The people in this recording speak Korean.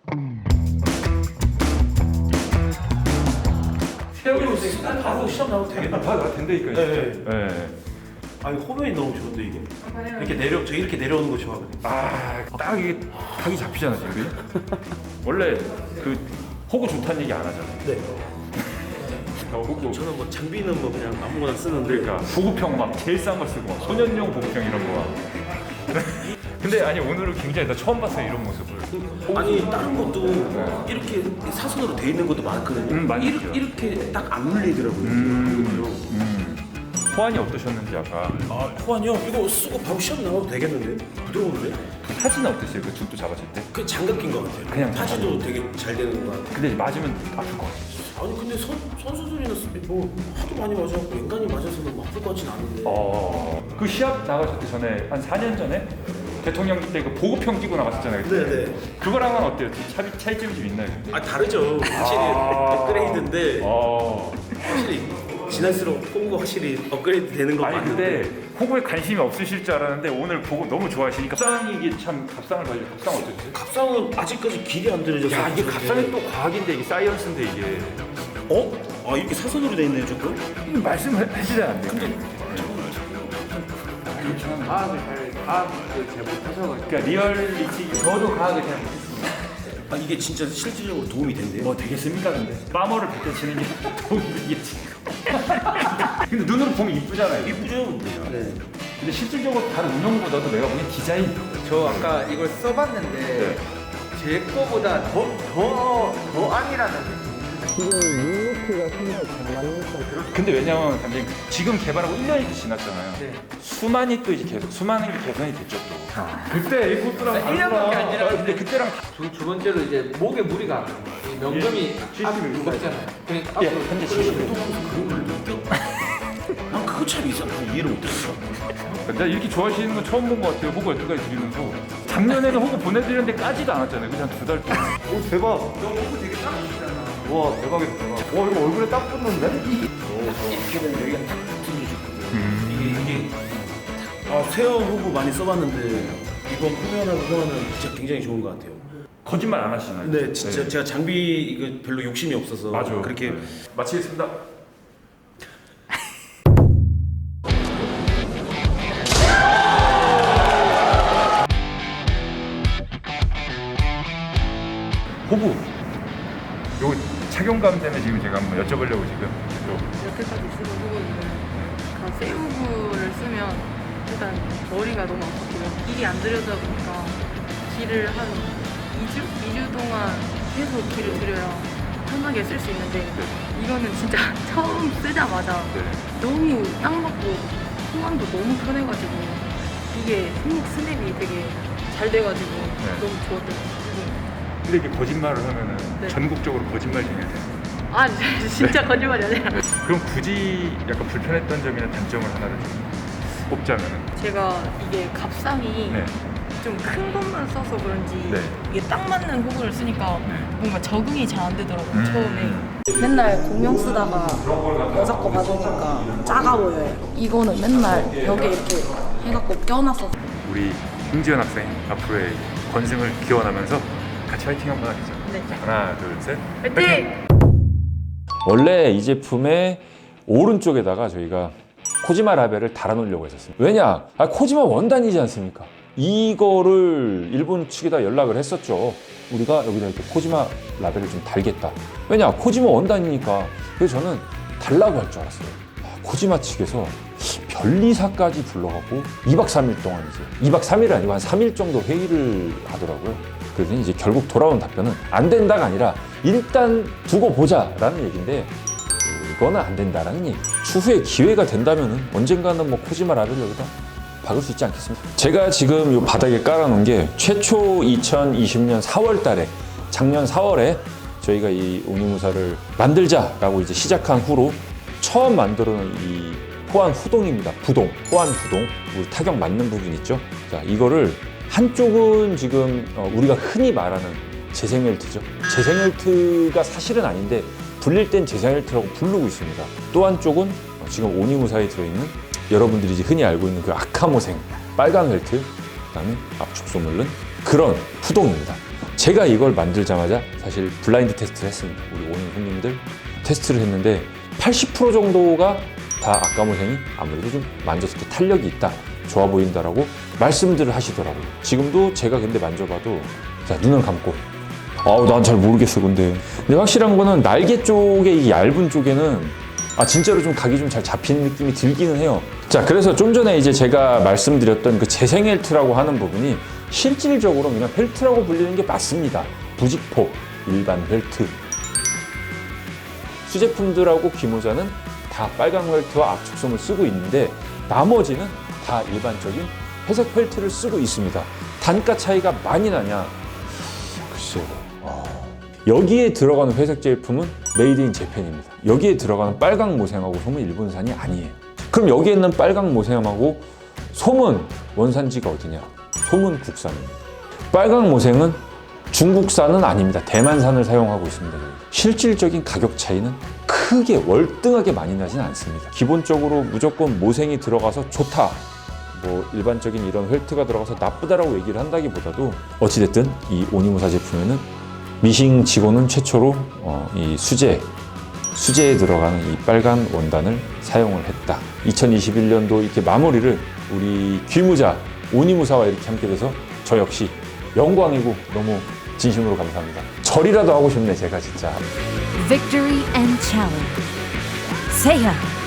세우고 있으니까 바로 시험 나오면 되겠다. 다 된다니까요. 네. 진짜. 네. 아니 호면이 너무 좋은데 이게. 저 이렇게 내려오는 거 좋아하거든요. 딱 이게 각이 잡히잖아 지금. 원래 그 호구 좋다는 얘기 안 하잖아요. 네. 호구. 저는 뭐 장비는 뭐 그냥 아무거나 쓰는데. 그러니까 보급형 막 제일 싼 거 쓰고 막 소년용 보급형 이런 거. 근데 아니 오늘은 굉장히 나 처음 봤어요 이런 모습을. 아니 다른 것도 이렇게 사선으로 돼 있는 것도 많거든요. 많이 있죠. 이렇게 딱 안 물리더라고요. 호환이 어떠셨는지 아까 호환이요? 이거 쓰고 바로 시험 나와도 되겠는데? 부드러운데? 사진은 어땠어요? 그 죽도 잡았을 때? 그 장갑 낀 것 같아요. 그냥 파지도 되게 잘 되는 것 같아요. 근데 맞으면 아플 것 같아요. 아니 근데 선수들이나 뭐 하도 많이 맞아갖고 인간이 맞아서는 뭐 아플 것 같진 않은데. 그 시합 나가셨기 전에 한 4년 전에 대통령 때 그 보급형 끼고 나갔었잖아요. 그때. 네네. 그거랑은 어때요? 차이점이 좀 있나요? 아 다르죠. 확실히 업그레이드인데 어. 확실히 지날수록 호구가 확실히 업그레이드 되는 거 아니 맞는데. 근데 호구에 관심이 없으실 줄 알았는데 오늘 보고 너무 좋아하시니까 갑상이 이게 참 갑상을 봐요. 갑상 어떠세요? 갑상은 아직까지 길이 안 들어져서. 야 이게 갑상이 또 과학인데 이게 사이언스인데 이게 아 이렇게 사선으로 돼 있네요 조금? 말씀을 해주셔야 안 돼요. 과학을 잘 못하셔가지고. 그러니까 리얼리티 저도 과학을 잘 못했어요. 아 이게 진짜 실질적으로 도움이 된대요? 뭐 되겠습니까 근데 빠머를 뱉어 치는 게 도움이 되겠지. 근데 눈으로 보면 이쁘잖아요. 이쁘죠? 네. 근데 실질적으로 다른 운영보다도 내가 보기엔 디자인. 저 아까 이걸 써봤는데 네. 제 거보다 더 아니라는. 근데 왜냐면 단장님 지금 개발하고 1년이 지났잖아요. 네. 수많이 또 이제 계속 수많은 게 개선이 됐죠 또. 그때 A 코스랑 1년밖에 안 지났는데. 근데 그때랑 두 번째로 이제 목에 무리가 안 가요. 이 명점이 앞 무겁잖아요. 그러니까 예, 앞으로 현재 70. 난 그거 참 이상하게 이해를 못했어. 근데 이렇게 좋아하시는 거 처음 본 것 같아요. 호구 여태까지 드리면서 작년에는 호구 보내드렸는데 까지도 않았잖아요. 그냥 한 2달 동안. 오 대박. 너 목이 되게 딱 붙잖아. 와 대박이다 대박. 와 이거 얼굴에 딱 붙는데? 이렇게 되면 여기가 딱 붙어주거든. 이게 세어 후보 많이 써봤는데 이번 후면하고 후면은 진짜 굉장히 좋은 것 같아요. 거짓말 안 하시나요? 근데 진짜 제가 장비 이거 별로 욕심이 없어서 맞아. 그렇게 네. 마치겠습니다. 호구. 요 착용감 때문에 지금 제가 한번 여쭤보려고 지금 여태까지 쓰던 후구는 다 세우구를 쓰면 일단 머리가 너무 아팠고요. 길이 안 들여다 보니까 길을 한 2주 동안 계속 길을 들여야 편하게 쓸 수 있는데 이거는 진짜 처음 쓰자마자 네. 너무 딱 맞고 호환도 너무 편해가지고 이게 손목 스냅이 되게 잘 돼가지고 너무 좋았어요. 근데 이게 거짓말을 하면은 네. 전국적으로 거짓말쟁이가 돼요. 아 진짜 거짓말이 아니라 그럼 굳이 약간 불편했던 점이나 단점을 하나를 좀 꼽자면은 제가 이게 갑상이 네. 좀 큰 것만 써서 그런지 네. 이게 딱 맞는 호구를 쓰니까 뭔가 적응이 잘 안 되더라고요 처음에. 맨날 공룡 쓰다가 여자 거 받으니까 작아 보여요. 이거는 맨날 벽에 이렇게 해갖고 껴놨어. 우리 홍지연 학생 앞으로의 건승을 기원하면서 같이 화이팅 한번 하겠죠. 네. 하나, 둘, 셋. 화이팅! 원래 이 제품의 오른쪽에다가 저희가 코지마 라벨을 달아놓으려고 했었습니다. 왜냐? 코지마 원단이지 않습니까? 이거를 일본 측에다 연락을 했었죠. 우리가 여기다 이렇게 코지마 라벨을 좀 달겠다. 왜냐? 코지마 원단이니까. 그래서 저는 달라고 할 줄 알았어요. 코지마 측에서 변리사까지 불러갖고 2박 3일 동안 이제 2박 3일이 아니고 한 3일 정도 회의를 하더라고요. 그래서 이제 결국 돌아온 답변은 안 된다가 아니라 일단 두고 보자라는 얘기인데 그거는 안 된다라는 얘기. 추후에 기회가 된다면은 언젠가는 뭐 코지마 라벨 여기다 박을 수 있지 않겠습니까? 제가 지금 이 바닥에 깔아놓은 게 최초 2020년 4월 달에 작년 4월에 저희가 이 오니무사를 만들자라고 이제 시작한 후로 처음 만들어 놓은 이 호환 후동입니다. 부동, 호환 부동. 우리 타격 맞는 부분 있죠? 자, 이거를 한쪽은 지금 우리가 흔히 말하는 재생헬트죠. 재생헬트가 사실은 아닌데 불릴 땐 재생헬트라고 부르고 있습니다. 또 한쪽은 지금 오니무사에 들어있는 여러분들이 이제 흔히 알고 있는 그 아카모생 빨간 헬트, 그다음에 압축 소물른 그런 후동입니다. 제가 이걸 만들자마자 사실 블라인드 테스트를 했습니다. 우리 오는 손님들 테스트를 했는데 80% 정도가 다 악가모생이 아무래도 좀 만졌을 때 탄력이 있다, 좋아 보인다라고 말씀들을 하시더라고요. 지금도 제가 근데 만져봐도 자, 눈을 감고 난 잘 모르겠어. 근데 확실한 거는 날개 쪽에 이 얇은 쪽에는 진짜로 좀 각이 좀 잘 잡히는 느낌이 들기는 해요. 자, 그래서 좀 전에 이제 제가 말씀드렸던 그 재생 펠트라고 하는 부분이 실질적으로 그냥 펠트라고 불리는 게 맞습니다. 부직포, 일반 펠트. 수제품들하고 기모자는 다 빨강 펠트와 압축솜을 쓰고 있는데 나머지는 다 일반적인 회색 펠트를 쓰고 있습니다. 단가 차이가 많이 나냐? 글쎄요. 여기에 들어가는 회색 제품은 메이드 인 재팬입니다. 여기에 들어가는 빨강 모생하고 솜은 일본산이 아니에요. 그럼 여기에 있는 빨강 모생하고 솜은 원산지가 어디냐? 솜은 국산입니다. 빨강 모생은 중국산은 아닙니다. 대만산을 사용하고 있습니다. 실질적인 가격 차이는 크게 월등하게 많이 나진 않습니다. 기본적으로 무조건 모생이 들어가서 좋다, 뭐 일반적인 이런 펠트가 들어가서 나쁘다라고 얘기를 한다기보다도 어찌됐든 이 오니무사 제품에는 미싱치고는 최초로 이 수제에 들어가는 이 빨간 원단을 사용을 했다. 2021년도 이렇게 마무리를 우리 귀무자 오니무사와 이렇게 함께 돼서 저 역시 영광이고 너무 진심으로 감사합니다. 절이라도 하고 싶네 제가 진짜. Victory and challenge. Seiya.